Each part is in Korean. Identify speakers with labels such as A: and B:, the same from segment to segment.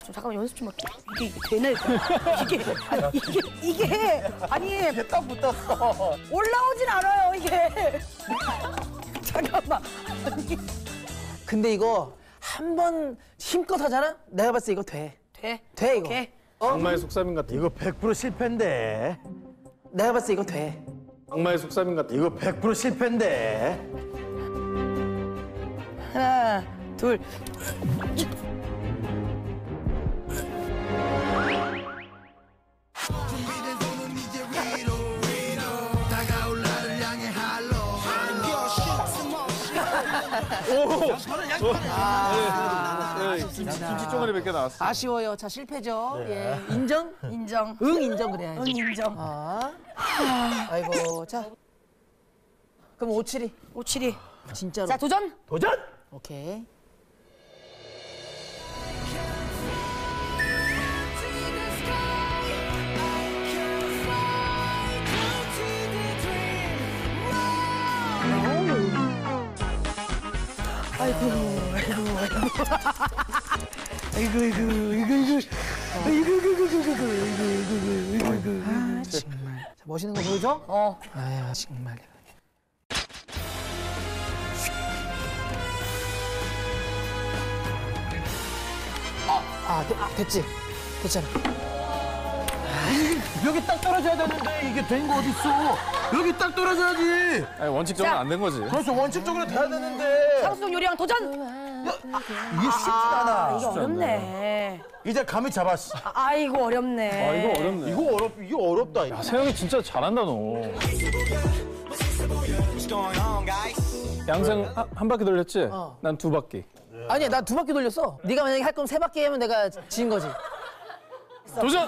A: 잠깐만 연습 좀 할게. 이게 되네. 이게 아니
B: 딱 붙었어.
A: 올라오진 않아요 이게. 잠깐만.
C: 근데 이거 한 번 힘껏 하잖아? 내가 봤을 때 이거 돼. 돼 이거.
A: 오케이.
D: 악마의 속삼인 같은.
B: 이거 100% 실패인데.
C: 내가 봤을 때 이거 돼.
D: 악마의 속삼인 같은.
B: 이거 100% 실패인데.
A: 하나, 둘.
D: 김치 쪼가리 몇 개 나왔어.
C: 아쉬워요. 자 실패죠. 예. 인정?
A: 인정.
C: 응 인정 그래야지.
A: 응 인정.
C: 아이고 자. 그럼 572.
A: 572.
C: 진짜로.
A: 자 도전.
B: 도전!
C: 오케이. 아 정말. 자, 멋있는 거 보여줘? 아야 정말. 됐지? 됐잖아.
B: 여기 딱 떨어져야 되는데 이게 된 거 어딨어? 여기 딱 떨어져야지.
D: 아니, 원칙적으로 안 된 거지.
B: 그렇죠. 원칙적으로 돼야 되는데.
A: 상수동 요리왕 도전.
B: 이게 쉽지 않아.
A: 이거 어렵네.
B: 이제 감이 잡았어.
A: 아이고 어렵네.
D: 아, 이거 어렵네.
B: 이거 어렵다.
D: 야, 세영이 진짜 잘한다, 너. 양생 한 바퀴 돌렸지? 난 2바퀴.
C: 아니야 나 2바퀴 돌렸어. 네가 만약에 할 거면 3바퀴 하면 내가 진 거지.
D: 도전!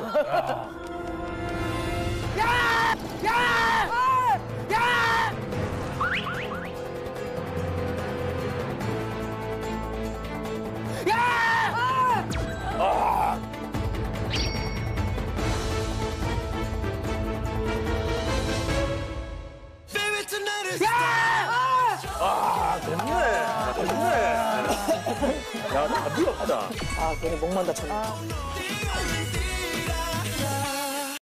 B: 야, 답이 없다.
C: 아 괜히 목만 다쳤네.